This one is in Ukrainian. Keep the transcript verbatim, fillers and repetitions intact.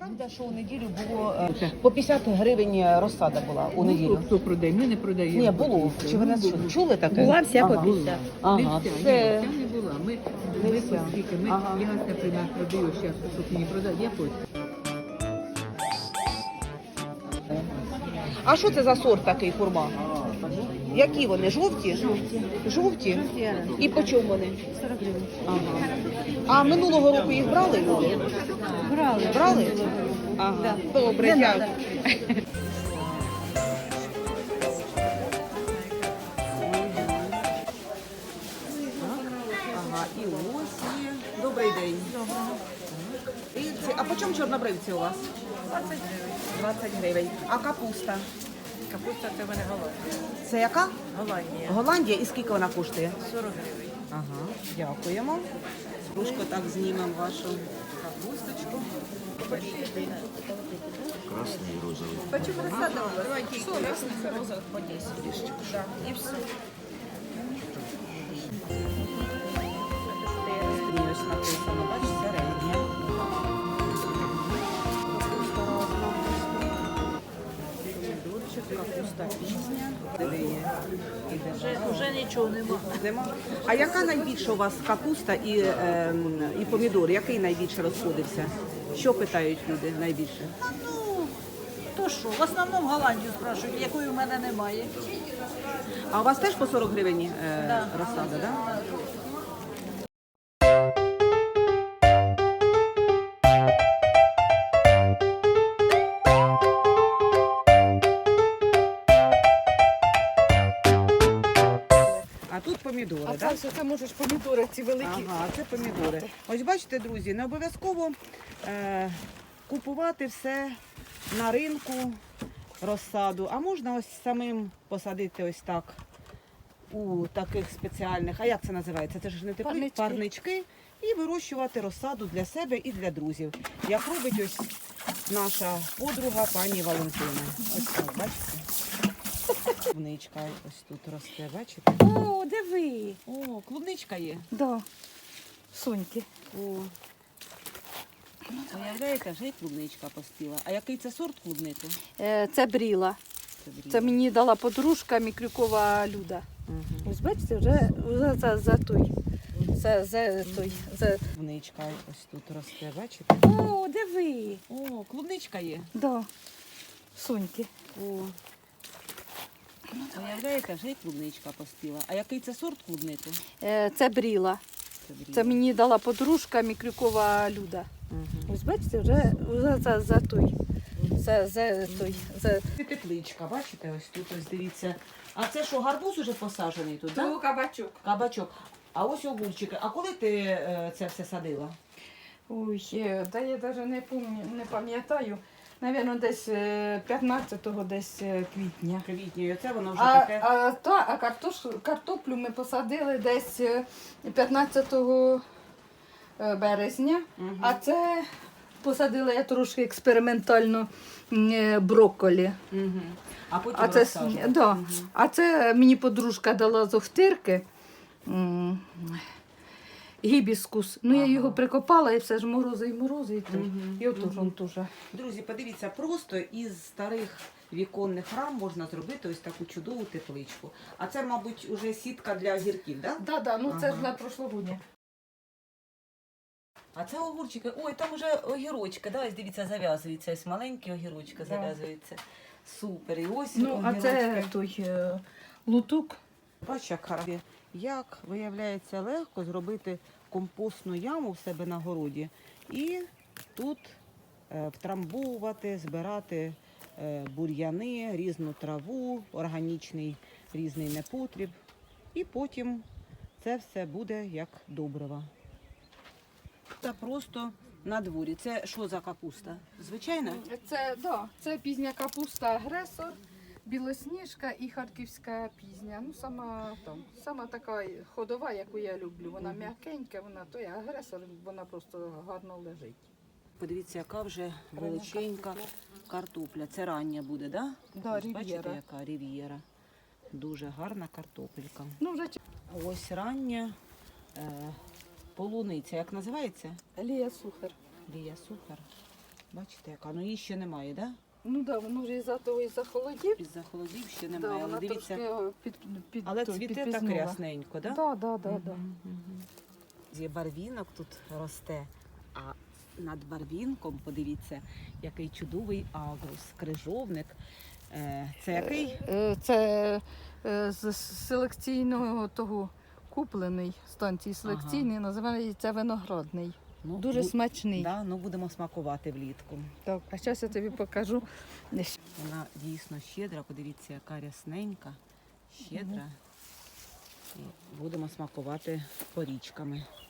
Правда, що у неділю було е, по п'ятдесят гривень розсада була у неділю. Хто продає? Ми не продаємо. Ні, було. Чи ви нас чули? Чули таке? Була вся Ага. по п'ятдесят. Ага, Не вся, це... ні, вся не була. Ми, Не ми вся. скільки, ми, Ага. я, наприклад, продаю зараз, щоб мені продати, я хочу. А що це за сорт такий хурма? Які вони? Жовті? Жовті. Жовті? І по чому вони? сорок гривень. Ага. А минулого року їх брали люди? Брали. Брали? Ага. Добре, дякую. Ага, і ось є. Добрий день. Доброго. І ці- А по чому чорнобривці у вас? двадцять гривень. двадцять гривень. А капуста? Капуста це в мене Голландія. Це яка? Голландія. Голландія. І скільки вона коштує? сорок гривень. Ага, дякуємо. Трошки так знімемо вашу капусточку. Красный и розовый. Почему розсада? Давайте сорок. Розових по десять. Да. І все. Ось написано, бачиш, середня. Капуста разна. Помідорчик, капуста пісня. Дивіться. Вже, вже нічого нема. Нема. А яка найбільша у вас капуста і, ем, і помідор? Який найбільше розходився? Що питають люди найбільше? Ну, то що, в основному Голландію спрашують, якої в мене немає. А у вас теж по сорок гривень е, Да. розсада, так? Да? А тут помідори, А так? це Да? все це можеш помідори ці великі. Ага, це помідори. Ось бачите, друзі, не обов'язково е, купувати все на ринку, розсаду, а можна ось самим посадити ось так у таких спеціальних, а як це називається? Це ж не теплі Парнички. парнички. І вирощувати розсаду для себе і для друзів. Як робить ось наша подруга пані Валентина. Ось так, бачите? Клубничка ось тут росте, бачите? О, диви. О, клубничка є. Да. Соньки. О. Уявляєте, вже й клубничка поспіла. А який це сорт клубники? Е, це бріла. бріла. Це мені дала подружка Мікрюкова Люда. Мгм. Ось бачите, вже, вже за, за той. За, за той. За... Клубничка ось тут росте, бачите? О, диви. О, клубничка є. Да. Соньки. О. Уявляєте, вже й клубничка поспіла. А який це сорт клубники? Е, це бріла. бріла. Це мені дала подружка Мікрюкова Люда. Мгм. Ось бачите, вже, вже за, за той. За, за той. За... Це тепличка, бачите, ось тут ось дивіться. А це що, гарбуз уже посаджений тут, так? Да? кабачок. Кабачок. А ось огурчики. А коли ти е, це все садила? Ой, е, та я навіть не пам'ятаю, не пам'ятаю. Навірно, десь е, п'ятнадцятого десь е, квітня. Квітні, і оце воно вже А, таке. а, та, а картош, картоплю ми посадили десь е, п'ятнадцятого березня, Мгм. а це посадила я трошки експериментально м, е, брокколі. Мгм. А потім А це, с- розсаджувала. да, Мгм. а це мені подружка дала з Охтирки. м, Гібіскус. Ну, я Ага. його прикопала і все ж морози і морози. І, той. Мгм. І отож Мгм. он дуже. Друзі, подивіться, просто із старих віконних рам можна зробити ось таку чудову тепличку. А це, мабуть, уже сітка для огірків, так? Да? Так, да, ну це Ага. ж для прошлогодня. А це огурчики. Ой, там уже огірочки, да? Ось дивіться, зав'язуються. Ось маленькі огірочки Да. зав'язуються. Супер. І ось Ну, а це огірочки. той е, лутук. Бачиш, як гарно. Як, виявляється, легко зробити компостну яму в себе на городі і тут е, втрамбовувати, збирати е, бур'яни, різну траву, органічний різний непотріб. І потім це все буде як добриво. Це просто на дворі. Це що за капуста? Звичайна? Це, да, це пізня капуста агресор, білосніжка і харківська пізня. Ну, сама, там, сама така ходова, яку я люблю. Вона м'якенька, вона той агресор, вона просто гарно лежить. Подивіться, яка вже величенька картопля. Це рання буде, так? Да? Да, Ось бачите, рів'єра. яка рів'єра. Дуже гарна картопелька. Ну, вже Ось рання е, полуниця. Як називається? Лія Сухар. Лія Сухар. Бачите, яка? Ну її ще немає, так? Да? Ну так, да, воно вже із-за того і захолодів. Із-за холодів ще Да, немає. вона Але дивіться, трошки о, під, під, але той, цвіте так підпізнула. рясненько, так? Да, да, да, да. Є барвінок тут росте, а над барвінком, подивіться, який чудовий агрус, крижовник. Е, Це який? Е, Це е, з селекційного того куплений станції селекційний, називається виноградний. Ну, Дуже бу- смачний. Да, ну будемо смакувати влітку. Так, а зараз я тобі покажу. Вона дійсно щедра, подивіться, яка рясненька, щедра. І будемо смакувати порічками.